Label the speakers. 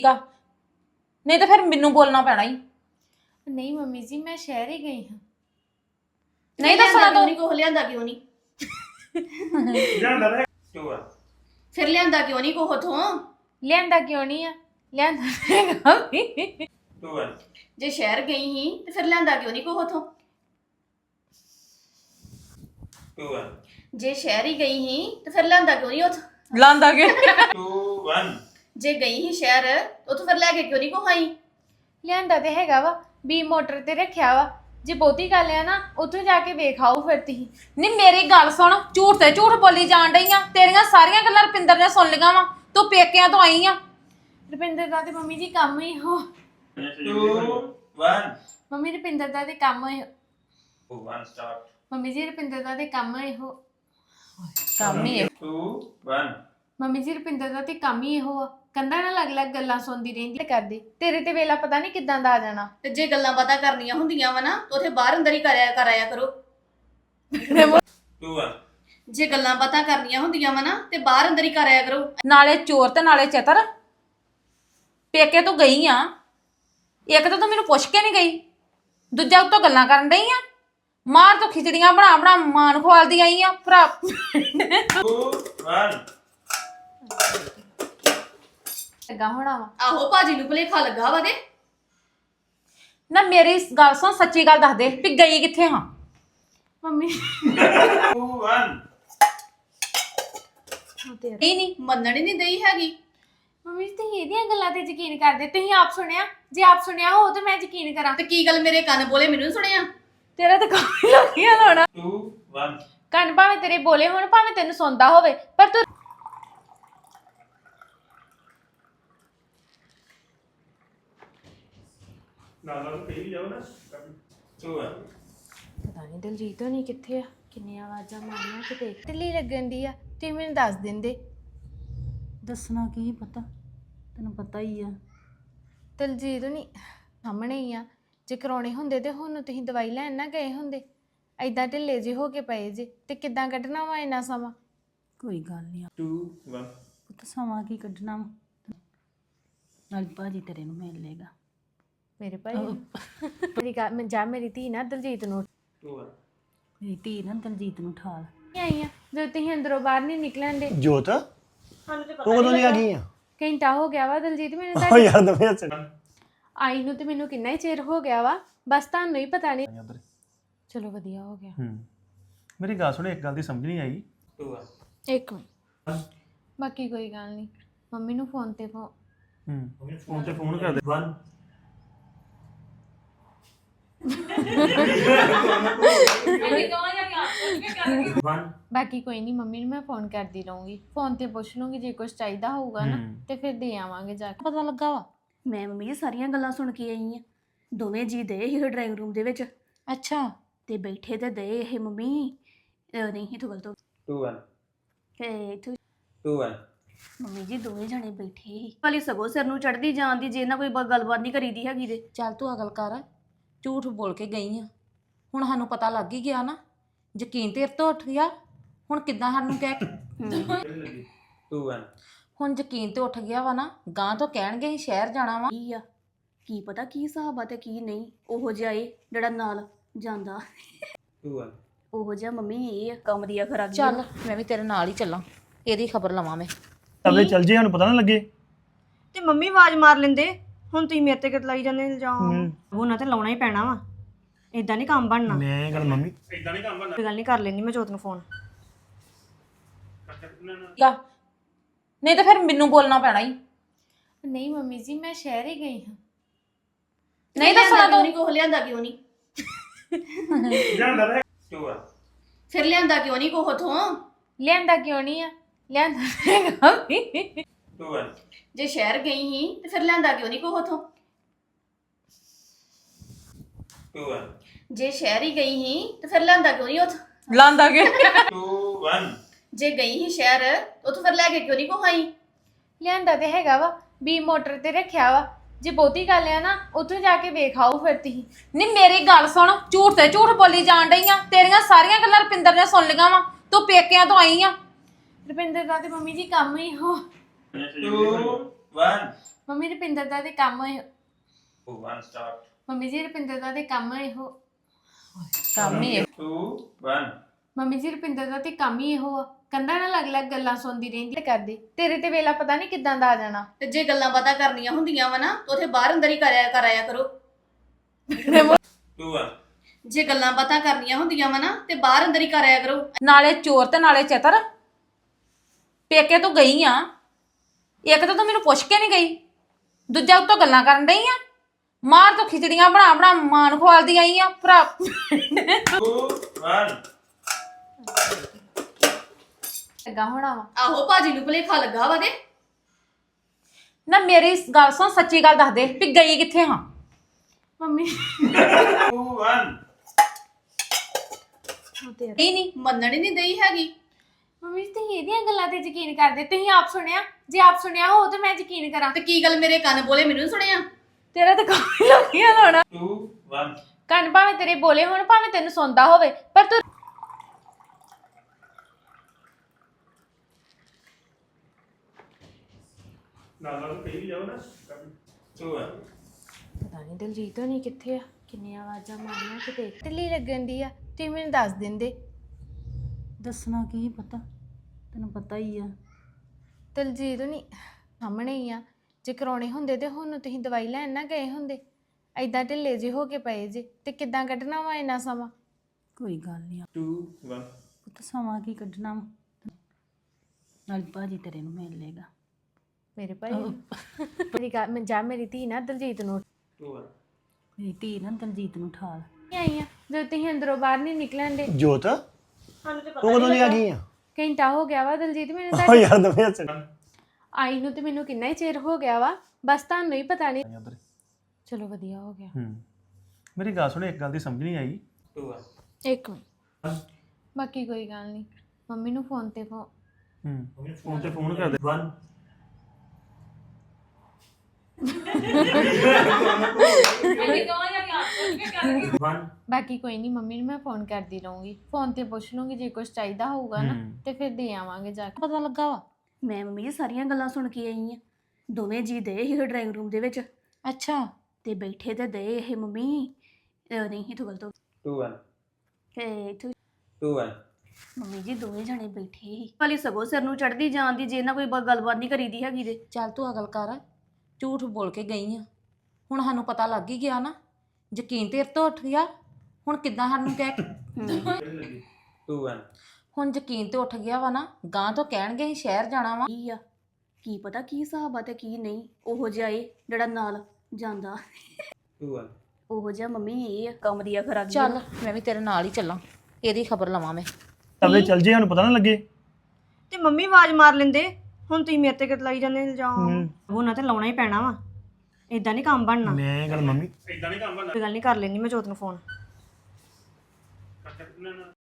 Speaker 1: ਆ ਨਹੀਂ ਤਾਂ ਫਿਰ ਮੈਨੂੰ ਬੋਲਣਾ ਪੈਣਾ ਹੀ।
Speaker 2: ਨਹੀਂ ਮੰਮੀ ਜੀ ਮੈਂ ਸ਼ਹਿਰ ਹੀ ਗਈ ਹਾਂ।
Speaker 1: ਨਹੀਂ ਦੱਸਣਾ ਤੂੰ।
Speaker 3: ਨਹੀਂ ਕੋਹ ਲਿਆਂਦਾ ਕਿਉਂ ਨਹੀਂ?
Speaker 4: ਲਿਆਂਦਾ ਤਾਂ 2 1
Speaker 3: ਫਿਰ ਲਿਆਂਦਾ ਕਿਉਂ ਨਹੀਂ ਕੋਹ ਤੋਂ?
Speaker 2: ਲਿਆਂਦਾ ਕਿਉਂ ਨਹੀਂ ਆ? ਲਿਆਂਦਾ ਹੈਗਾ ਵੀ।
Speaker 4: 2 1
Speaker 3: ਜੇ ਸ਼ਹਿਰ ਗਈ ਸੀ ਤੇ ਫਿਰ ਲਿਆਂਦਾ ਕਿਉਂ ਨਹੀਂ ਕੋਹ ਤੋਂ?
Speaker 4: 2 1
Speaker 3: ਜੇ ਸ਼ਹਿਰ ਹੀ ਗਈ ਸੀ ਤੇ ਫਿਰ ਲਿਆਂਦਾ ਕਿਉਂ ਨਹੀਂ ਉੱਥੋਂ?
Speaker 1: ਲਾਂਦਾ ਕੇ
Speaker 4: 2 1
Speaker 3: ਜੇ ਗਈ ਸੀ ਸ਼ਹਿਰ ਉੱਥੋਂ ਫਿਰ ਲੈ ਕੇ ਕਿਉਂ ਨਹੀਂ ਕੋਹ ਆਈ?
Speaker 2: ਲਿਆਂਦਾ ਤੇ ਹੈਗਾ ਵਾ ਵੀ ਮੋਟਰ ਤੇ ਰੱਖਿਆ ਵਾ। ਜੇ ਬਹੁਤੀ ਗੱਲ ਆ ਨਾ ਉੱਥੇ ਜਾ ਕੇ ਵੇਖ ਆਓ ਫਿਰ ਤੁਸੀਂ।
Speaker 1: ਨਹੀਂ ਮੇਰੀ ਗੱਲ ਸੁਣ, ਝੂਠ ਤੇ ਝੂਠ ਬੋਲੀ ਜਾਣ ਡਈ ਆ। ਤੇਰੀਆਂ ਸਾਰੀਆਂ ਗੱਲਾਂ ਰੁਪਿੰਦਰ ਨੇ ਸੁਣ ਲਈਆਂ ਵਾ। ਤੂੰ ਪੇਕਿਆਂ ਤੋਂ ਆਈ ਆ।
Speaker 2: ਰੁਪਿੰਦਰ ਦਾ ਤੇ ਮੰਮੀ ਜੀ ਕੰਮ ਹੀ ਹੋ।
Speaker 4: 2 1
Speaker 2: ਮੰਮੀ ਰੁਪਿੰਦਰ ਦਾ ਤੇ ਕੰਮ ਹੀ
Speaker 4: 1 ਸਟਾਰਟ
Speaker 2: ਮੰਮੀ ਜੀ ਰੁਪਿੰਦਰ ਦਾ ਤੇ ਕੰਮ ਇਹੋ।
Speaker 1: ਕੰਮ ਹੀ
Speaker 4: 2 1
Speaker 2: ਮੰਮੀ ਜੀ ਰੁਪਿੰਦਰ ਦਾ ਤੇ ਕੰਮ ਹੀ ਇਹੋ ਆ। ਕੰਧਾਂ ਨਾਲ ਅਲੱਗ-ਅਲੱਗ ਗੱਲਾਂ ਸੁਣਦੀ ਰਹਿੰਦੀ ਕਰਦੇ। ਤੇਰੇ ਤੇ ਵੇਲਾ ਪਤਾ ਨਹੀਂ ਕਿੱਦਾਂ ਦਾ ਆ ਜਾਣਾ।
Speaker 3: ਤੇ ਜੇ ਗੱਲਾਂ ਬਾਤਾਂ ਕਰਨੀਆਂ ਹੁੰਦੀਆਂ ਵਾ ਨਾ ਤਾਂ ਉੱਥੇ ਬਾਹਰ ਅੰਦਰ ਹੀ ਕਰਾਇਆ ਕਰੋ।
Speaker 4: 2 1
Speaker 3: ਜੇ ਗੱਲਾਂ ਬਾਤਾਂ ਕਰਨੀਆਂ ਹੁੰਦੀਆਂ ਵਾ ਨਾ ਤੇ ਬਾਹਰ ਅੰਦਰ ਹੀ ਕਰਾਇਆ ਕਰੋ।
Speaker 1: ਨਾਲੇ ਚੋਰ ਤੇ ਨਾਲੇ ਚਤਰ। ਪੇਕੇ ਤੋਂ ਗਈ ਆ, ਇੱਕ ਤਾਂ ਤੂੰ ਮੈਨੂੰ ਪੁੱਛ ਕੇ ਨਹੀਂ ਗਈ, ਦੂਜਾ ਉੱਤੋਂ ਗੱਲਾਂ ਕਰਨ ਡਈ ਆ। ਮਾਰ ਤੋਂ ਖਿਚੜੀਆਂ ਬਣਾ ਬਣਾ ਮਾਨ ਖਵਾਲਦੀ ਆਈ ਆ ਭਰਾ।
Speaker 4: 2 1
Speaker 2: ਲੱਗਾ ਹੋਣਾ ਵਾ।
Speaker 3: ਆਹੋ ਭਾਜੀ ਨੂੰ ਭੁਲੇਖਾ ਲੱਗਾ ਵਾ ਤੇ
Speaker 1: ਨਾ ਮੇਰੀ ਗੱਲ ਸੁਣ, ਸੱਚੀ ਗੱਲ ਦੱਸ ਦੇ ਵੀ ਗਈ ਕਿੱਥੇ ਹਾਂ?
Speaker 2: ਮੰਮੀ
Speaker 4: 2 1
Speaker 1: ਇਹ ਨਹੀਂ
Speaker 3: ਮੰਨਣ ਹੀ ਨਹੀਂ ਦਈ ਹੈਗੀ।
Speaker 2: ਮੰਮੀ ਜੀ ਤੁਸੀਂ ਇਹਦੀਆਂ ਗੱਲਾਂ ਤੇ ਯਕੀਨ ਕਰਦੇ? ਤੁਸੀਂ ਆਪ ਸੁਣਿਆ? ਜੇ ਆਪ ਸੁਣਿਆ ਹੋ ਤਾਂ ਮੈਂ ਯਕੀਨ ਕਰਾਂ।
Speaker 3: ਤੇ ਕੀ ਗੱਲ ਮੇਰੇ ਕੰਨ ਬੋਲੇ ਮੈਨੂੰ ਨੀ ਸੁਣਿਆ?
Speaker 2: ਤੇਰਾ ਤਾਂ ਕੋਈ ਲੱਗਿਆ ਹੋਣਾ।
Speaker 4: 2 1
Speaker 2: ਕੰਨ ਭਾਵੇਂ ਤੇਰੇ ਬੋਲੇ ਹੋਣ, ਭਾਵੇਂ ਤੈਨੂੰ ਸੁਣਦਾ ਹੋਵੇ, ਪਰ ਤੂੰ
Speaker 4: ਨਾਲ ਕਹੀ ਜਾਓ ਨਾ 2 1
Speaker 2: ਪਤਾ ਨਹੀਂ ਦਲਜੀਤ ਹੋਣੀ ਕਿੱਥੇ ਆ। ਕਿੰਨੀਆਂ ਆਵਾਜ਼ਾਂ ਮਾਰੀਆਂ ਕਿਤੇ ਢਿੱਲੀ ਲੱਗਣ ਦੀ ਆ। ਤੁਸੀਂ ਮੈਨੂੰ ਦੱਸ ਦਿੰਦੇ।
Speaker 1: ਦੱਸਣਾ ਕੀ ਪਤਾ, ਤੈਨੂੰ ਪਤਾ ਹੀ ਆ।
Speaker 2: ਦਲਜੀਤ ਹੋਣੀ ਸਾਹਮਣੇ ਹੀ ਆ। ਜੇ ਕਰਾਉਣੇ ਹੁੰਦੇ ਤੇ ਹੁਣ ਤੁਸੀਂ ਦਵਾਈ ਲੈਣ ਨਾ ਗਏ ਹੁੰਦੇ। ਐਦਾਂ ਢਿੱਲੇ ਜਿਹੇ ਹੋ ਕੇ ਪਏ ਜੇ ਤੇ ਕਿੱਦਾਂ ਕੱਢਣਾ ਵਾ ਇੰਨਾ ਸਮਾਂ?
Speaker 1: ਕੋਈ ਗੱਲ ਨਹੀਂ,
Speaker 4: 2 1
Speaker 1: ਪੁੱਤ ਸਮਾਂ ਕੀ ਕੱਢਣਾ ਵਾ। ਨਾਲ ਭਾਜੀ ਤੇਰੇ ਨੂੰ ਮਿਲ ਲੇਗਾ।
Speaker 2: ਮੇਰੇ ਭਾਈ ਮੇਰੀ ਗੱਲ ਮੈਂ ਜਾ ਮੇਰੀ ਧੀ ਨਾ ਦਲਜੀਤ ਨੂੰ
Speaker 4: 2 1
Speaker 1: ਮੇਰੀ ਧੀ ਨਾ ਦਲਜੀਤ ਨੂੰ ਠਾਲ।
Speaker 2: ਆਈ ਆ ਜਦੋਂ ਤੁਸੀਂ ਅੰਦਰੋਂ ਬਾਹਰ ਨਹੀਂ ਨਿਕਲਣ ਦੇ।
Speaker 5: ਜੋਤ ਤੂੰ ਕਦੋਂ ਦੀ ਆ ਗਈ ਆ?
Speaker 2: ਘੰਟਾ ਹੋ ਗਿਆ ਵਾ ਦਲਜੀਤ ਮੈਨੂੰ
Speaker 5: ਓ
Speaker 2: ਤਾਂ
Speaker 5: ਯਾਰ ਦਵੇਂ
Speaker 2: ਆਈ ਨੂੰ ਤੇ ਮੈਨੂੰ ਕਿੰਨਾ ਹੀ ਚਿਰ ਹੋ ਗਿਆ ਵਾ। ਬਸ ਤੁਹਾਨੂੰ ਹੀ ਪਤਾ ਨਹੀਂ। ਚਲੋ ਵਧੀਆ ਹੋ ਗਿਆ।
Speaker 6: ਮੇਰੀ ਗੱਲ ਸੁਣ, ਇੱਕ ਗੱਲ ਦੀ ਸਮਝ ਨਹੀਂ ਆਈ।
Speaker 4: 2
Speaker 2: ਇੱਕ ਮਿੰਟ, ਬਾਕੀ ਕੋਈ ਗੱਲ ਨਹੀਂ। ਮੰਮੀ ਨੂੰ ਫੋਨ ਤੇ
Speaker 6: ਫੋਨ ਤੇ ਫੋਨ ਕਰ ਦੇ।
Speaker 4: 1 1
Speaker 2: ਬਾਕੀ ਕੋਈ ਨਹੀਂ, ਮੰਮੀ ਨੂੰ ਮੈਂ ਫੋਨ ਕਰਦੀ ਰਹੂੰਗੀ। ਫੋਨ ਤੇ ਪੁੱਛ ਲੂੰਗੀ ਜੇ ਕੁਝ ਚਾਹੀਦਾ ਹੋਊਗਾ ਨਾ ਤੇ ਫਿਰ ਦੇ ਆਵਾਂਗੇ ਜਾ ਕੇ।
Speaker 1: ਪਤਾ ਲੱਗਾ ਵਾ?
Speaker 3: ਮੈਂ ਮੰਮੀ ਇਹ ਸਾਰੀਆਂ ਗੱਲਾਂ ਸੁਣ ਕੇ ਆਈ ਆ। ਦੋਵੇਂ ਜੀ ਦੇ ਹੀ ਡਰਾਇੰਗ ਰੂਮ ਦੇ ਵਿੱਚ
Speaker 1: ਅੱਛਾ
Speaker 3: ਤੇ ਬੈਠੇ ਤੇ ਦੇ ਇਹ ਮੰਮੀ ਨਹੀਂ ਇਹ ਤੋਂ ਗਲਤ ਹੋ
Speaker 4: 2 1
Speaker 3: ਗਈ। ਇੱਥੋਂ
Speaker 4: 2 1
Speaker 3: ਮੰਮੀ ਜੀ ਦੋਵੇਂ ਜਣੇ ਬੈਠੇ ਸੀ। ਵਾਲੀ ਸਗੋਂ ਸਿਰ ਨੂੰ ਚੜਦੀ ਜਾਂਦੀ ਜੇ ਨਾ ਕੋਈ ਗੱਲਬਾਤ ਨਹੀਂ ਕਰੀਦੀ ਹੈਗੀ ਤੇ।
Speaker 1: ਚੱਲ ਤੂੰ ਅਗਲ ਕਰ, ਝੂਠ ਬੋਲ ਕੇ ਗਈ ਆ। ਹੁਣ ਸਾਨੂੰ ਪਤਾ ਲੱਗ ਹੀ ਗਿਆ ਨਾ, ਯਕੀਨ ਤੇਰੇ ਤੋਂ ਉੱਠ ਗਿਆ। ਹੁਣ ਕਿੱਦਾਂ ਸਾਨੂੰ ਕਹਿ
Speaker 4: 2 1
Speaker 1: ਹੁਣ ਯਕੀਨ ਤੇ ਉੱਠ ਗਿਆ ਵਾ ਨਾ, ਗਾਂ ਤੋਂ ਕਹਿਣਗੇ ਅਸੀਂ ਸ਼ਹਿਰ ਜਾਣਾ ਵਾ।
Speaker 3: ਕੀ ਆ ਕੀ ਪਤਾ ਕੀ ਹਿਸਾਬ ਆ ਤੇ ਕੀ ਨਹੀਂ। ਉਹੋ ਜਿਹਾ ਏ ਜਿਹੜਾ ਨਾਲ ਜਾਂਦਾ।
Speaker 4: 2 1
Speaker 3: ਉਹੋ ਜਿਹਾ ਮੰਮੀ ਇਹ ਆ, ਕੰਮ ਦੀ ਖਰਾ।
Speaker 1: ਚੱਲ ਮੈਂ ਵੀ ਤੇਰੇ ਨਾਲ ਹੀ ਚੱਲਾਂ, ਇਹਦੀ ਖਬਰ ਲਵਾਂ ਮੈਂ।
Speaker 5: ਤਵੇ ਚੱਲ ਜੇ ਸਾਨੂੰ ਪਤਾ ਨਾ ਲੱਗੇ।
Speaker 7: ਤੇ ਮੰਮੀ ਆਵਾਜ਼ ਮਾਰ ਲੈਂਦੇ। ਹੁਣ ਤੁਸੀਂ ਮੇਰੇ ਤੇ ਕਿਤਲਾਈ ਜਾਂਦੇ ਇਲਜ਼ਾਮ। ਉਹਨਾਂ ਤੇ ਲਾਉਣਾ ਹੀ ਪੈਣਾ ਵਾ। ਇਦਾਂ ਨਹੀਂ ਕੰਮ ਬਣਨਾ।
Speaker 5: ਮੈਂ ਇਹ ਗੱਲ ਮੰਮੀ
Speaker 7: ਕੋਈ ਗੱਲ ਨਹੀਂ, ਕਰ ਲੈਣੀ ਮੈਂ ਜੋਤ ਨੂੰ ਫੋਨ।
Speaker 1: ਨਹੀਂ ਤਾਂ ਫਿਰ ਮੈਨੂੰ ਬੋਲਣਾ ਪੈਣਾ ਹੀ।
Speaker 2: ਨਹੀਂ ਮੰਮੀ ਜੀ ਮੈਂ ਸ਼ਹਿਰ ਹੀ ਗਈ ਹਾਂ।
Speaker 1: ਨਹੀਂ ਦੱਸਣਾ ਤੂੰ।
Speaker 3: ਨਹੀਂ ਕੋਹ ਲਿਆਂਦਾ ਕਿਉਂ ਨਹੀਂ?
Speaker 4: ਲਿਆਂਦਾ ਤਾਂ 2 1
Speaker 3: ਫਿਰ ਲਿਆਂਦਾ ਕਿਉਂ ਨਹੀਂ ਕੋਹ ਤੋਂ?
Speaker 2: ਲਿਆਂਦਾ ਕਿਉਂ ਨਹੀਂ ਆ? ਲਿਆਂਦਾ ਹੈਗਾ ਵੀ।
Speaker 4: 2 1
Speaker 3: ਜੇ ਸ਼ਹਿਰ ਗਈ ਸੀ ਤੇ ਫਿਰ ਲਿਆਂਦਾ ਕਿਉਂ ਨਹੀਂ ਕੋਹ ਤੋਂ?
Speaker 4: 2 1
Speaker 3: ਜੇ ਸ਼ਹਿਰ ਹੀ ਗਈ ਸੀ ਤੇ ਫਿਰ ਲਿਆਂਦਾ ਕਿਉਂ ਨਹੀਂ ਉੱਥੋਂ?
Speaker 1: ਲਾਂਦਾ ਕੇ
Speaker 4: 2 1
Speaker 3: ਜੇ ਗਈ ਸੀ ਸ਼ਹਿਰ ਉੱਥੋਂ ਫਿਰ ਲੈ ਕੇ ਕਿਉਂ ਨਹੀਂ ਕੋਹ ਆਈ?
Speaker 2: ਲਿਆਂਦਾ ਤੇ ਹੈਗਾ ਵਾ ਵੀ ਮੋਟਰ ਤੇ ਰੱਖਿਆ ਵਾ। ਜੇ ਬਹੁਤੀ ਗੱਲ ਆ ਨਾ ਉੱਥੇ ਜਾ ਕੇ ਵੇਖ ਆਓ ਫਿਰ ਤੁਸੀਂ।
Speaker 1: ਨਹੀਂ ਮੇਰੀ ਗੱਲ ਸੁਣ, ਝੂਠ ਤੇ ਝੂਠ ਬੋਲੀ ਜਾਣ ਡਈ ਆ। ਤੇਰੀਆਂ ਸਾਰੀਆਂ ਗੱਲਾਂ ਰੁਪਿੰਦਰ ਨੇ ਸੁਣ ਲਈਆਂ ਵਾ। ਤੂੰ ਪੇਕਿਆਂ ਤੋਂ ਆਈ ਆ।
Speaker 2: ਰੁਪਿੰਦਰ ਦਾ ਤੇ ਮੰਮੀ ਜੀ ਕੰਮ ਹੀ ਹੋ।
Speaker 4: 2 1
Speaker 2: ਮੰਮੀ ਰੁਪਿੰਦਰ ਦਾ ਤੇ ਕੰਮ ਇਹੋ
Speaker 4: 2 1 ਸਟਾਰਟ
Speaker 2: ਮੰਮੀ ਜੀ ਰੁਪਿੰਦਰ ਦਾ ਤੇ ਕੰਮ ਇਹੋ
Speaker 1: ਕੰਮ ਹੀ
Speaker 4: 2 1
Speaker 2: ਮੰਮੀ ਜੀ ਰੁਪਿੰਦਰ ਦਾ ਤੇ ਕੰਮ ਹੀ ਇਹੋ ਆ ਕੰਧਾਂ ਨਾਲ ਅਲੱਗ-ਅਲੱਗ ਗੱਲਾਂ ਸੁਣਦੀ ਰਹਿੰਦੀ ਕਰਦੀ ਤੇਰੇ ਤੇ ਵੇਲਾ ਪਤਾ ਨਹੀਂ ਕਿੱਦਾਂ ਦਾ ਆ ਜਾਣਾ
Speaker 3: ਤੇ ਜੇ ਗੱਲਾਂ ਬਾਤਾਂ ਕਰਨੀਆਂ ਹੁੰਦੀਆਂ ਵਾ ਨਾ ਤਾਂ ਉੱਥੇ ਬਾਹਰ ਅੰਦਰ ਹੀ ਕਰਾਇਆ ਕਰੋ
Speaker 4: 2 1
Speaker 3: ਜੇ ਗੱਲਾਂ ਬਾਤਾਂ ਕਰਨੀਆਂ ਹੁੰਦੀਆਂ ਵਾ ਨਾ ਤੇ ਬਾਹਰ ਅੰਦਰ ਹੀ ਕਰਾਇਆ ਕਰੋ
Speaker 1: ਨਾਲੇ ਚੋਰ ਤੇ ਨਾਲੇ ਚਤਰ ਪੇਕੇ ਤੋਂ ਗਈ ਆ ਇੱਕ ਤਾਂ ਤੂੰ ਮੈਨੂੰ ਪੁੱਛ ਕੇ ਨਹੀਂ ਗਈ ਦੂਜਾ ਉੱਤੋਂ ਗੱਲਾਂ ਕਰਨ ਡਈ ਆ ਮਾਰ ਤੋਂ ਖਿਚੜੀਆਂ ਬਣਾ ਬਣਾ ਮਾਨ ਖਵਾਲਦੀ ਆਈ ਆ ਭਰਾ
Speaker 4: 2 1
Speaker 2: ਲੱਗਾ ਹੋਣਾ ਵਾ
Speaker 3: ਆਹੋ ਭਾਜੀ ਨੂੰ ਭੁਲੇਖਾ ਲੱਗਾ ਵਾ ਤੇ
Speaker 1: ਨਾ ਮੇਰੀ ਗੱਲ ਸੁਣ ਸੱਚੀ ਗੱਲ ਦੱਸ ਦੇ ਵੀ ਗਈ ਕਿੱਥੇ ਹਾਂ
Speaker 2: ਮੰਮੀ
Speaker 4: 2 1
Speaker 1: ਨਹੀਂ ਨਹੀਂ
Speaker 3: ਮੰਨਣ ਹੀ ਨਹੀਂ ਦਈ ਹੈਗੀ
Speaker 2: ਮੰਮੀ ਜੀ ਤੁਸੀਂ ਇਹਦੀਆਂ ਗੱਲਾਂ ਤੇ ਯਕੀਨ ਕਰਦੇ ਤੁਸੀਂ ਆਪ ਸੁਣਿਆ ਜੇ ਆਪ ਸੁਣਿਆ ਹੋ ਤਾਂ ਮੈਂ ਯਕੀਨ ਕਰਾਂ
Speaker 3: ਤੇ ਕੀ ਗੱਲ ਮੇਰੇ ਕੰਨ ਬੋਲੇ ਮੈਨੂੰ ਨੀ ਸੁਣਿਆ
Speaker 2: ਤੇਰਾ ਤਾਂ ਕੋਈ ਲੱਗਿਆ ਹੋਣਾ
Speaker 4: 2 1
Speaker 2: ਕੰਨ ਭਾਵੇਂ ਤੇਰੇ ਬੋਲੇ ਹੋਣ ਭਾਵੇਂ ਤੈਨੂੰ ਸੁਣਦਾ ਹੋਵੇ ਪਰ ਤੂੰ
Speaker 4: ਨਾਲ ਕਹੀ ਜਾਓ ਨਾ 2 1
Speaker 2: ਪਤਾ ਨਹੀਂ ਦਲਜੀਤ ਹੋਣੀ ਕਿੱਥੇ ਆ ਕਿੰਨੀਆਂ ਆਵਾਜ਼ਾਂ ਮਾਰੀਆਂ ਕਿਤੇ ਢਿੱਲੀ ਲੱਗਣ ਦੀ ਆ ਤੁਸੀਂ ਮੈਨੂੰ ਦੱਸ ਦਿੰਦੇ
Speaker 8: ਦੱਸਣਾ ਕੀ ਪਤਾ ਤੈਨੂੰ ਪਤਾ ਹੀ ਆ
Speaker 2: ਦਲਜੀਤ ਹੋਣੀ ਸਾਹਮਣੇ ਹੀ ਆ ਜੇ ਕਰਾਉਣੇ ਹੁੰਦੇ ਤੇ ਹੁਣ ਤੁਸੀਂ ਦਵਾਈ ਲੈਣ ਨਾ ਗਏ ਹੁੰਦੇ ਐਦਾਂ ਢਿੱਲੇ ਜਿਹੇ ਹੋ ਕੇ ਪਏ ਜੇ ਤੇ ਕਿੱਦਾਂ ਕੱਢਣਾ ਵਾ ਇੰਨਾ ਸਮਾਂ
Speaker 8: ਕੋਈ ਗੱਲ ਨਹੀਂ
Speaker 4: 2 1
Speaker 8: ਪੁੱਤ ਸਮਾਂ ਕੀ ਕੱਢਣਾ ਵਾ ਨਾਲ ਭਾਜੀ ਤੇਰੇ ਨੂੰ ਮਿਲ ਲੇਗਾ
Speaker 2: ਮੇਰੇ ਭਾਈ ਮੇਰੀ ਗੱਲ ਮੈਂ ਜਾ ਮੇਰੀ ਧੀ ਨਾ ਦਲਜੀਤ ਨੂੰ
Speaker 4: 2 1
Speaker 8: ਮੇਰੀ ਧੀ ਨਾ ਦਲਜੀਤ ਨੂੰ ਠਾਲ
Speaker 2: ਆਈ ਆ ਜਦੋਂ ਤੁਸੀਂ ਅੰਦਰੋਂ ਬਾਹਰ ਨਹੀਂ ਨਿਕਲਣ ਦੇ
Speaker 5: ਜੋਤ ਤੂੰ ਕਦੋਂ ਦੀ ਆ ਗਈ ਆ
Speaker 2: ਘੰਟਾ ਹੋ ਗਿਆ ਵਾ ਦਲਜੀਤ ਮੈਨੂੰ
Speaker 5: ਓ ਯਾਰ ਦਵੇਂ ਹੱਸ
Speaker 2: ਆਈ ਨੂੰ ਤੇ ਮੈਨੂੰ ਕਿੰਨਾ ਹੀ ਚਿਰ ਹੋ ਗਿਆ ਵਾ ਬਸ ਤੁਹਾਨੂੰ ਹੀ ਪਤਾ ਨਹੀਂ
Speaker 6: ਉਧਰ
Speaker 2: ਚਲੋ ਵਧੀਆ ਹੋ ਗਿਆ
Speaker 6: ਮੇਰੀ ਗੱਲ ਸੁਣ ਇੱਕ ਗੱਲ ਦੀ ਸਮਝ ਨਹੀਂ ਆਈ
Speaker 4: 2 1
Speaker 2: ਇੱਕ ਮਿੰਟ ਬਾਕੀ ਕੋਈ ਗੱਲ ਨਹੀਂ ਮੰਮੀ ਨੂੰ ਫੋਨ ਤੇ
Speaker 6: ਫੋਨ ਤੇ ਫੋਨ ਕਰ ਦੇ
Speaker 4: 1 1
Speaker 2: ਬਾਕੀ ਕੋਈ ਨਹੀਂ ਮੰਮੀ ਨੂੰ ਮੈਂ ਫੋਨ ਕਰਦੀ ਰਹੂੰਗੀ ਫੋਨ ਤੇ ਪੁੱਛ ਲੂੰਗੀ ਜੇ ਕੁਝ ਚਾਹੀਦਾ ਹੋਊਗਾ ਨਾ ਤੇ ਫਿਰ ਦੇ ਆਵਾਂਗੇ ਜਾ ਕੇ
Speaker 1: ਪਤਾ ਲੱਗਾ ਵਾ
Speaker 3: ਮੈਂ ਮੰਮੀ ਜੀ ਸਾਰੀਆਂ ਗੱਲਾਂ ਸੁਣ ਕੇ ਆਈ ਆ ਦੋਵੇਂ ਜੀ ਦੇ ਹੀ ਡਰਾਇੰਗ ਰੂਮ ਦੇ ਵਿੱਚ
Speaker 1: ਅੱਛਾ
Speaker 3: ਤੇ ਬੈਠੇ ਤੇ ਦੇ ਇਹ ਮੰਮੀ ਨਹੀਂ ਹੀ ਤੋਂ ਗਲਤ ਹੋ
Speaker 4: 2 1
Speaker 3: ਤੇ ਇੱਥੇ
Speaker 4: 2 1
Speaker 3: ਮੰਮੀ ਜੀ ਦੋਵੇਂ ਜਣੇ ਬੈਠੇ ਸੀ ਵਾਲੀ ਸਗੋਂ ਸਿਰ ਨੂੰ ਚੜਦੀ ਜਾਂਦੀ ਜੇ ਨਾ ਕੋਈ ਗੱਲਬਾਤ ਨਹੀਂ ਕਰੀਦੀ ਹੈਗੀ ਤੇ
Speaker 1: ਚੱਲ ਤੂੰ ਅਗਲ ਕਰ ਝੂਠ ਬੋਲ ਕੇ ਗਈ ਆ ਹੁਣ ਸਾਨੂੰ ਪਤਾ ਲੱਗ ਹੀ ਗਿਆ ਨਾ ਯਕੀਨ ਤੇਰੇ ਤੋਂ ਉੱਠ ਗਿਆ ਹੁਣ ਕਿੱਦਾਂ ਸਾਨੂੰ ਕਹਿ
Speaker 4: 2 1
Speaker 1: ਹੁਣ ਯਕੀਨ ਤੇ ਉੱਠ ਗਿਆ ਵਾ ਨਾ ਗਾਂ ਤੋਂ ਕਹਿਣਗੇ ਅਸੀਂ ਸ਼ਹਿਰ ਜਾਣਾ ਵਾ
Speaker 3: ਕੀ ਆ ਕੀ ਪਤਾ ਕੀ ਹਿਸਾਬ ਆ ਤੇ ਕੀ ਨਹੀਂ ਉਹੋ ਜਿਹਾ ਇਹ ਜਿਹੜਾ ਨਾਲ ਜਾਂਦਾ
Speaker 4: 2 1
Speaker 3: ਉਹੋ ਜਿਹਾ ਮੰਮੀ ਇਹ ਆ, ਕੰਮ ਦੀ ਅਖਰ ਆ ਗਈ
Speaker 1: ਚੱਲ ਮੈਂ ਵੀ ਤੇਰੇ ਨਾਲ ਹੀ ਚੱਲਾਂ ਇਹਦੀ ਖਬਰ ਲਵਾਂ ਮੈਂ
Speaker 5: ਤਵੇ ਚੱਲ ਜੇ ਸਾਨੂੰ ਪਤਾ ਨਾ ਲੱਗੇ
Speaker 7: ਤੇ ਮੰਮੀ ਆਵਾਜ਼ ਮਾਰ ਲੈਂਦੇ ਹੁਣ ਤੁਸੀਂ ਮੇਰੇ ਤੇ ਕਿਤ ਲਾਈ ਜਾਂਦੇ ਇਲਜ਼ਾਮ ਉਹਨਾਂ ਤੇ ਲਾਉਣਾ ਹੀ ਪੈਣਾ ਵਾ ਇਦਾਂ ਨਹੀਂ ਕੰਮ ਬਣਨਾ
Speaker 5: ਮੈਂ ਗੱਲ ਮੰਮੀ
Speaker 7: ਕੋਈ ਗੱਲ ਨਹੀਂ ਕਰ ਲੈਣੀ ਮੈਂ ਜੋਤ ਨੂੰ ਫੋਨ